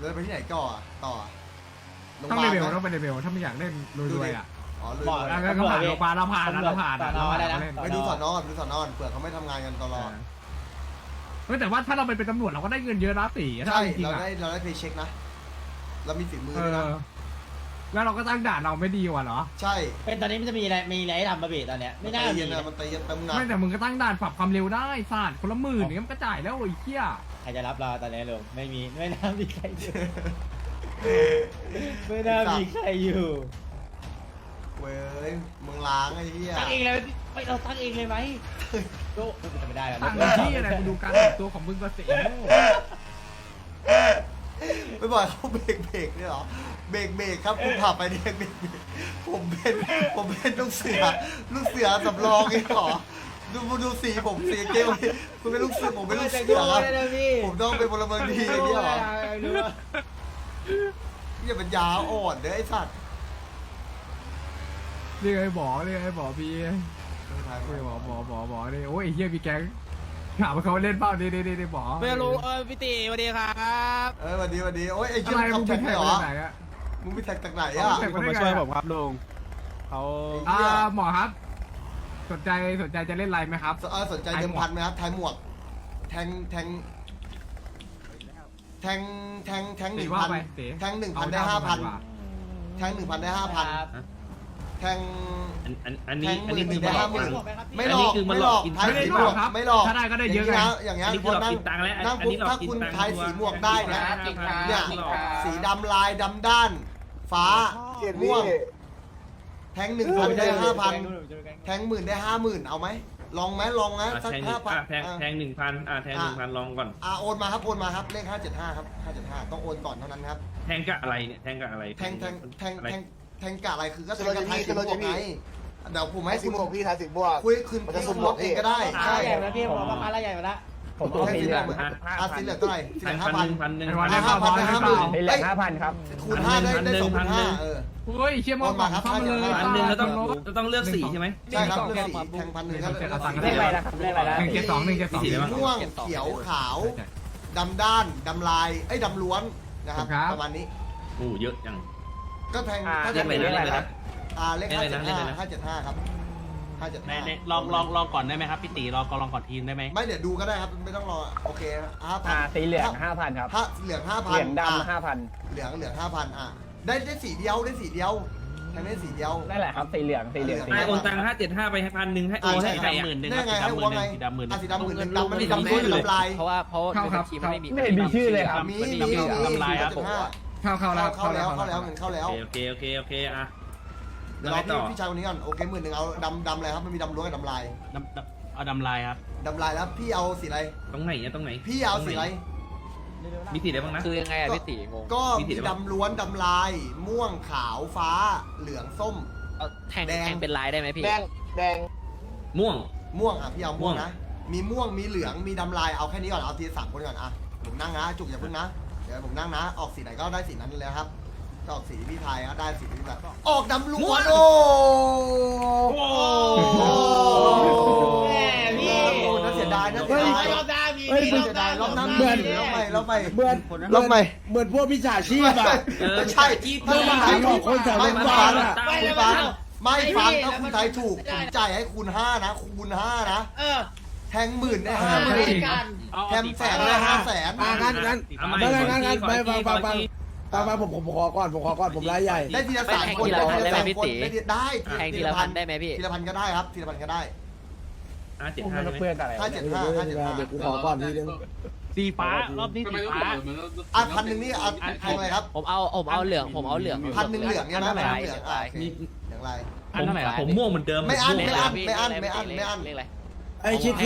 ไปที่ไหนก่อต่อโรงพต้องยาเลบาลเวลต้องเป็นเลเวลถ้าไม่อยากเล่นรวยๆอ่ะอ๋อเลยแล้วก็ผ่านโรงพยาบาลเราผ่านเราเล่นไปดูสอนอนเผื่อเขาไม่ทำงานกันตลอดแต่ว่าถ้าเราเป็นตำรวจเราก็ได้เงินเยอะนะตีถ้าใช่จริงเราๆอ่ะได้เพย์เช็คนะเรามีฝีมือด้วยนะแล้วเราก็ตั้งด่านเราไม่ดีกว่าเหรอใช่เป็นตอนนี้มันจะมีอะไรให้ทำบ้างพี่ตอนเนี้ยไม่น่ามีมันตีเย็นเต็มหนักไม่แต่มึงก็ตั้งด่านปรับความเร็วได้ศาสตร์คนละหมื่นเนี่ยมันก็จ่ายแล้วไอ้เหี้ยใครจะรับเราตอนนี้ลุงไม่น่ามีใครอยู่ ไม่น่ามีใครอยู่เว้ยมึงล้างไอ้เหี้ยตั้งเองเลยไม่เราตั้งเองเลยไหมโก้ไม่ได้แล้วตั้งที่อะไรมึงดูการแต่งตัวของมึงก็เสียไม่บอกเขาเบรกเนี่ยเหรอเบรกครับคุณขับไปเนี่ยเบรกผมเป็นลูกเสือสำรองเองเหรอดูสีผมสีเกลคุณเป็นลูกเสือผมเป็นลูกเสือครับผมต้องเป็นพลเมืองดีอย่างเงี้ยเหรออย่าเป็นยาอ่อนเด้อไอ้สัตว์เรียกไอ้บอพี่เรียกบอเนี่ยโอ้ยไอ้เหี้ยมีแก๊งถามว่าเขาเล่นเปล่านี่บอไม่รู้พี่ตีสวัสดีครับสวัสดีโอ้ยไอ้อะเหี้ยไรขัมึบงแท็เป็นกแท็เหกรอไหนอะมึงไปแท็กจากไหนอ่ะเขามาช่วยผมครับลุงเขาหมอครับสนใจจะเล่นอะไรไหมครับสนใจเดิมพันไหมครับทายหมวกแทง 1,000 แทง 1,000 ได้ 5,000 แทง 1,000 ได้ 5,000 แทงอันนี้คือได้มาหลอก 50,000ไม่หลอกทายสีหมวกไม่หลอกถ้าได้ก็ได้เยอะไงอย่างเงี้ยอันนี้คคือน หลอกนั่งกินตังค์แล้วนั่งอันปุ๊บนี้หลอกถ้ากินคุณตังค์ทายสีหมวกได้นะเนี่ยสีดำลายดำด้าน ฟ้าม่วงแทง 1,000 ได้ 5,000 แทง 10,000 ได้ 50,000 เอาไหมลองไหมสักแทง 5,000 แทง 1,000แทง 1,000ลองก่อนโอนมาครับเลข575ครับ575ต้องโอนก่อนเท่านั้นครับแทงกะอะไรเนี่ยแทงกะอะไรแทงกะอะไรคือก็แทงกะไทยสีม่วงไงเดี๋ยวผมให้สิคุณบหกพี่ทายสิบบวกคุยคืนที่คุณล็อกเองก็ได้ใช่ใหญ่มาพี่ผมมาละใหญ่มาละผมเอาแทงสีสีเหเหลืลืออง งสีเหลืองเท่าไหร่สีเหลือง 1,000 ไอ้วัน 1,000 ได้เปล่า 5,000 ได้สีเหลือง5,000ครับคูณ5ได้2,500 เฮ้ยเชี่ยมองเข้ามาเลย 1,000แล้วต้องเลือกสีใช่ไหมใช่ครับเลือกสีแทง1,000ก็เลขอะไรนะครับเลขอะไรนะ 172 สีม่วงเขียวขาวดำด้านดำลายดำล้วนนะครับประมาณนี้โอ้เยอะจังก็แทงเลขอะไรนะเลข575ครับ575 ลองก่อนได้ไหมครับพี่ตีลองก่อนทีมได้ไหมไม่เดี๋ยวดูก็ได้ครับไม่ต้องรอโอเค5,000 สีเหลือง5,000ครับเหลือง 5,000 เหลืองดำ5,000 เหลือง 5,000ได้สีเดียวแทงได้สีเดียวนั่นแหละครับสีเหลืองไอโอนตัง575ไปให้1,000ให้โอนให้ใครอ่ะได้ไงให้วัวไงสีดำ10,000ดำมันมีดำล้วนหรือดำลายเพราะในทีมไม่มีไม่เห็นมีชื่อเลยครับมีทำลายครับผมเข้าแล้วเข้าแล้วเงินเข้าแล้วโอเคอ่ะเดี๋ยวรอพี่ชายคนนี้ก่อนโอเค10,000เอาดำอะไรครับมันมีดำล้วนกับดำลายเอาดำลายครับดำลายแล้วพี่เอาสีอะไรตรงไหนเนี่ยตรงไหนพี่เอาสีอะไรมีสีอะไรบ้างนะคือยังไงอะพี่ตีงงก็มีดำล้วนดำลายม่วงขาวฟ้าเหลืองส้มแทงเป็นลายได้ไหมพี่แดงม่วงพี่เอาม่วงนะมีม่วงมีเหลืองมีดำลายเอาแค่นี้ก่อนเอาที3คนก่อนอ่ะผมนั่งนะจุกอย่าพึ่งนะเดี๋ยวผมนั่งนะออกสีไหนก็ได้สีนั้นเลยครับจะออกสีพี่ไทยก็ได้สีนี้แบบออกดำล้วนโอ้แม่พี่น่าเสียดายรอบหน้ามีน่าเสียดายรอบหน้ามีรอบใหม่เหมือนรอบใหม่เหมือนพวกมิจฉาชีพอ่ะใช่เพื่อมาหาของคนแถวไม่บ้านอ่ะฟังไม่ฟังถ้าคุณไทยถูกผมจ่ายให้คูณ5นะคูณ5นะแทง10,000ได้5,000แทงแสนได้500,000 งั้นไปผมขอก่อนผมรายใหญ่ได้ทีละ3 คนได้แทงทีละพันได้ไหมพี่ทีละพันก็ได้ครับทีละพันก็ได้ 75ใช่ไหมเพื่อนอะไร 575 เดี๋ยวกูขอก่อนทีนึงสีฟ้ารอบนี้สีฟ้า 1,000นี่เอาแทงอะไรครับผมเอาเหลือง1,000เหลือง 1,000เหลืองเนี่ยนะเหลืองอย่างไรผมม่วงเหมือนเดิมไม่อั้นเลขอะไรไอคิด 575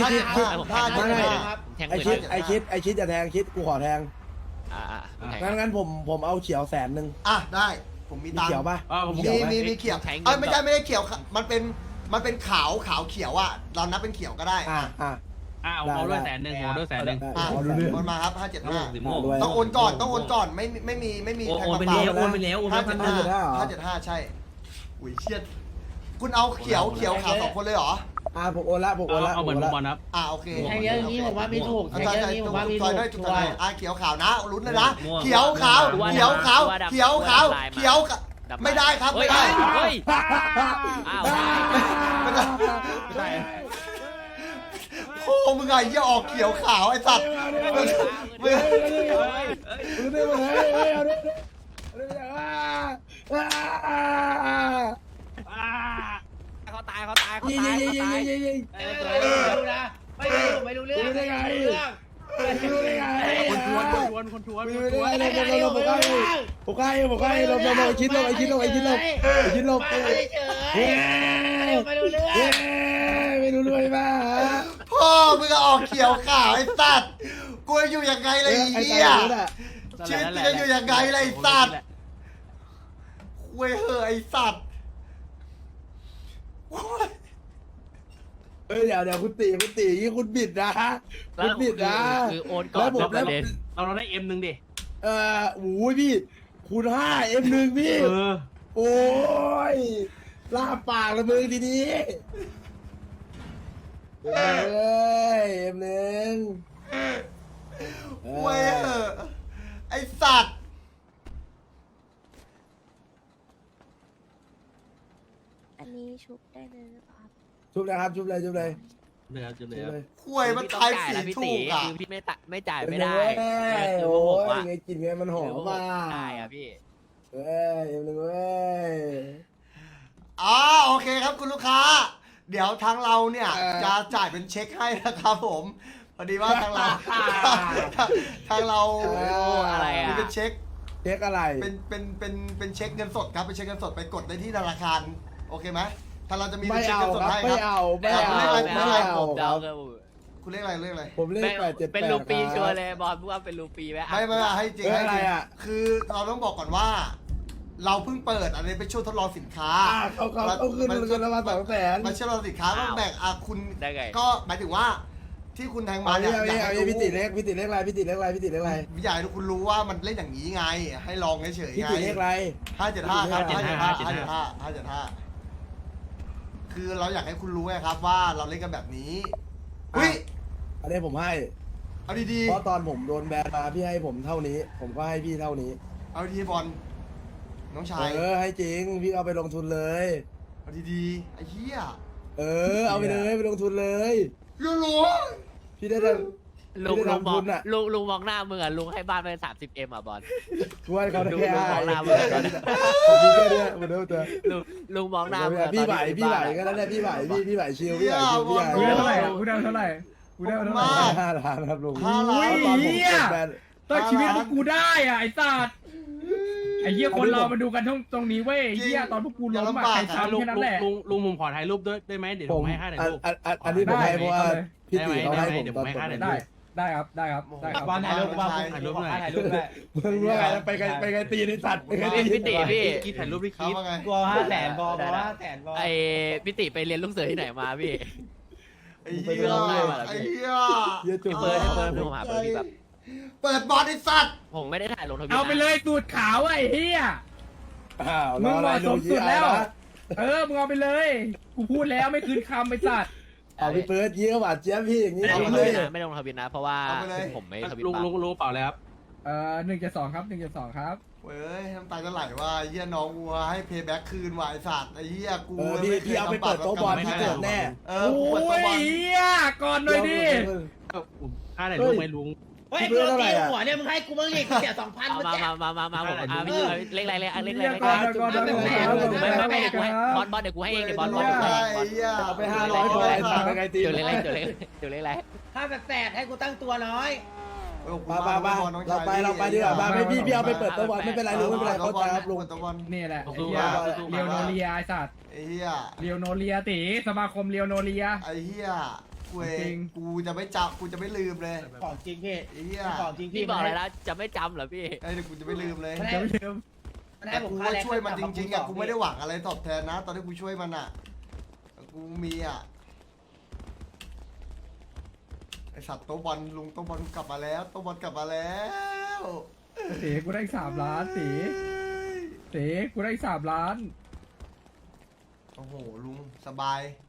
ไอคิดจะแทงคิดกูขอแทงงั้นผมเอาเขียว100,000 ได้ผมมีตังค์เขียวป่ะมีเขียวไม่ได้เขียวมันเป็นขาวเขียวอ่ะเรานับเป็นเขียวก็ได้ผมเอาด้วย100,000ผมเอาด้วย100,000 โอนมาครับสีม่วง 575ต้องโอนก่อนไม่มีโอนไปแล้วโอนไปแล้วโอนไป 575ใช่อุ้ยเชี่ยคุณเอาเขียวขาว2 คนเลยเหรอผมโอนละผมโอนละเอาเหมือนผมบโออนละครับโอเคแทงเยอะอย่างนี้ผมว่าไม่ถูกแทงใช่เยอะอใช่ย่างนี้ผจุมดว่าไม่ซถูอยกด้วยจุดชัซวอยร์เขียวขาวนะลุ้นเลยนะม่วงเขียวขาวเขียวขาวเขียวขาวเขียวไม่ได้ครับไม่ได้เฮ้ยอ้าวไม่ได้โอ้มึงไงอย่าออกเขียวขาวไอ้สัตว์มึงเอาดิเอาดิเอาดิเขาตายเขาตายเขายิงตายยิงเขายิงตายยิงยิงไม่รู้นะไม่รู้เรื่องรู้ได้ไงรู้ได้ไงคนทวนไม่ได้ไงผมใกล้ลงคิดลงไอ้คิดลงไม่รู้เรื่องไม่รู้ด้วยบ้าพ่อมึงออกเขียวขาวไอ้สัตว์กูอยู่ยังไงเลยไอ้เหี้ยชีวิตมึงจะอยู่ยังไงเลยไอ้สัตว์เว้ยเหอะไอ้สัตว์เดี๋ยวคุณตีนี่คุณบิดนะคุณบิดนะคือโอนก่อนแล้วประเด็นเราได้M1ดิโอ้ยพี่คูณ5 M1 พี่โอ้ยลาปากละมึงทีนี้เอ้ย M1 เว้ยเหอะไอ้สัตว์อันนี้ชุบได้เลยหรือเปล่าครับชุบเลยครับชุบเลยเดี๋ยวคุยมันทายสีถูกอ่ะคือพี่ไม่จ่ายไม่ได้โอ้ผมยอ่ะไงกินไงมันหอมมากได้อะพี่เอ้ย M1 เว้ยอ๋อโอเคครับคุณลูกค้า เดี๋ยวทางเราเนี่ยจะจ่ายเป็นเช็คให้นะครับผมพอดีว่าทางเราทางเราอะไรอ่ะมีเป็นเช็คเช็คอะไรเป็นเช็คเงินสดครับเป็นเช็คเงินสดไปกดได้ที่ธนาคารโอเคไหมทางเราจะมีเป็ไม่นเช็คเอาเงินสดครับให้ไม่ครับเอาไม่เอาไม่ไม่เอาเอาผมเดาคุณเรียกอะไรเรียกอะไรผมเลข878 เป็นรูปีชัวร์เลยบอลว่าเป็นรูปีไหมไม่ให้จริงเอ้ยให้จริงอะไรอะคือเราต้องบอกก่อนว่า เราเพิ่งเปิดอันนี้เป็นช่วงทดลองสินค้าเขาขึ้นเงินละมา200,000 มันช่วงทดลองสินค้าต้องแบ่งคุณได้ไงก็หมายถึงว่าที่คุณแทงมามาเนี่ยเนี่ยอยากเอาให้พี่รู้ติเลขอะไรพี่ติเลขอะไรอยากให้คุณรู้ว่ามันเล่นอย่างนี้ไง ให้ลองเฉยๆพี่ไงติเลขอะไร 575ครับ 575 575คือเราอยากให้คุณรู้ไงครับว่าเราเล่นกันแบบนี้อุ้ยอันนี้ผมให้เอาดีเพราะตอนผมโดนแบนมาพี่ให้ผมเท่านี้ ผมก็ให้พี่เท่านี้ๆเอาดีๆบอลน้องชายให้จริงพี่เอาไปลงทุนเลยเอาดีๆไอ้เหี้ยเอาไปเลยไปลงทุนเลยรู้พี่ได้แต่ลุงไม่ได้มองทำทุนอะลุงมองหน้ามึงอ่ะลุงให้บ้านไป30Mอ่ะบอลช่วยเขาได้แค่ดูให้ของเราผมมีแค่เนี้ยมันเท่าเดิมลุงมองหน้ามึงอะพี่ไหวตอนที่พี่ไหวอยู่ก็บ้านได้อะพี่ไหวพี่ไหวชิลพี่ไหวชิลพี่ไหวกูได้เท่าไหร่อะกูได้เท่าไหร่กูได้เท่าไหร่ 5 ล้านครับลุง 5 ล้านตอนผมโดนแบนตอนชีวิตพวกกูได้อ่ะไอ้สัตว์ไอ้เหี้ยคนเรามาดูกันตรงนี้เว้ยไอ้เหี้ยตอนพวกกูล้มอะใครซ้ำลุงแค่นั้นแหละลุงผมขอถ่ายรูปด้วยได้ไหมเดี๋ยวผมให้ค่าถ่ายรูปอันนี้ผมให้เพราะว่าพี่ตีเขาให้ผมเดี๋ยวตผอนมให้ผมค่าถ่ายรูได้ปได้ครับได้ครับได้ครับบอลถ่ายรูปบอลถ่ายรูปหน่อยถ่ายรูปด้วยมึงว่าไงแล้วไปไงตีในสัตว์ไปไงตีพี่ติพี่คิดถ่ายรูปพี่ครับคิดว่าไงกลัว500,000บอล500,000บอลไอ้พี่ติไปเรียนลูกเสือที่ไหนมาพี่ไอ้เหี้ยไอ้เหี้ยเยอะจุ๊บเปิดผมหาเบอร์พี่แบบเปิดบอลไอ้สัตว์ผมไม่ได้ถ่ายลงทวิตเอาไปเลยสูตรขาวไอ้เหี้ยมึงเหมาะสมสุดแล้วมึงเอาไปเลยกูพูดแล้วไม่คืนคำไปสัตว์เอาพี่เปิดยี่ก็หวานเจี๊ยบพี่อย่างนี้ไม่ได้ลงทเลวิยตนะไม่ได้ลงทวิตนะเพราะว่าผมไม่ทวิตลุงบ้างลุงเปล่าเลยครับ 1.2ครับ1.2ครับเว้ยน้ำตาจะไหลว่าไอ้เหี้ยน้องวัวให้เพย์แบ็กคืนว่ะไอ้สัตว์ไอ้เหี้ยกูพี่เอาไปเปิดโต๊ะบอลพี่เกิดแน่กูเปิดโต๊ะบอลเหี้ยก่อนหน่อยดิค่าถ่ายรูปไหมลุงเฮ้ยกูตีหัวเนี่ยมึงให้กูบ้างดิกูเสีย2,000 เอาเมื่อมากี้ผมพี่เล็กไรเล็กไรก่อนก่อนก่อนไม่กูให้บอลเดี๋ยวกูให้เองเดี๋ยวบอลไอ้เหี้ยเอาไป500พอไอ้สัตว์ไปไงตีเดี๋ยวเล็กไรถ้าแสบให้กูตั้งตัวน้อยมาเราไปดีกว่ามาไม่พี่เอาไปเปิดโต๊ะบอลไม่เป็นไรลุงไม่เป็นไรเขาใจครับลุงเปิดโต๊ะบอลนี่แหละไอ้เหี้ยเรียวโนเลียไอ้สัตว์ไอ้เหี้ยเรียวโนเลียตีสมาคมเรียวโนเลียไอ้เหี้ยกูเอจริงงกูจะไม่จับกูจะไม่ลืมเลยของจริงพี่ไอ้เหี้ยของจริงพี่บอกอะไรแล้วจะไม่จำเหรอพี่ไอ้เดี๋ยวกูจะไม่ลืมเลยจะไม่ลืมมันแต่ให้ผมกูค่าก็แรงช่วยมันจริงๆอ่ะกูไม่ได้หวังอะไรตอบแทนนะ ตอนที่กูช่วยมันอ่ะกูมีอ่ะไอสัตว์โต๊ะบอลลุงโต๊ะบอลกลับมาแล้วโต๊ะบอลกลับมาแล้วตีกูได้อีก3 ล้านตีกูได้อีก3 ล้านโอ้โหลุงสบาย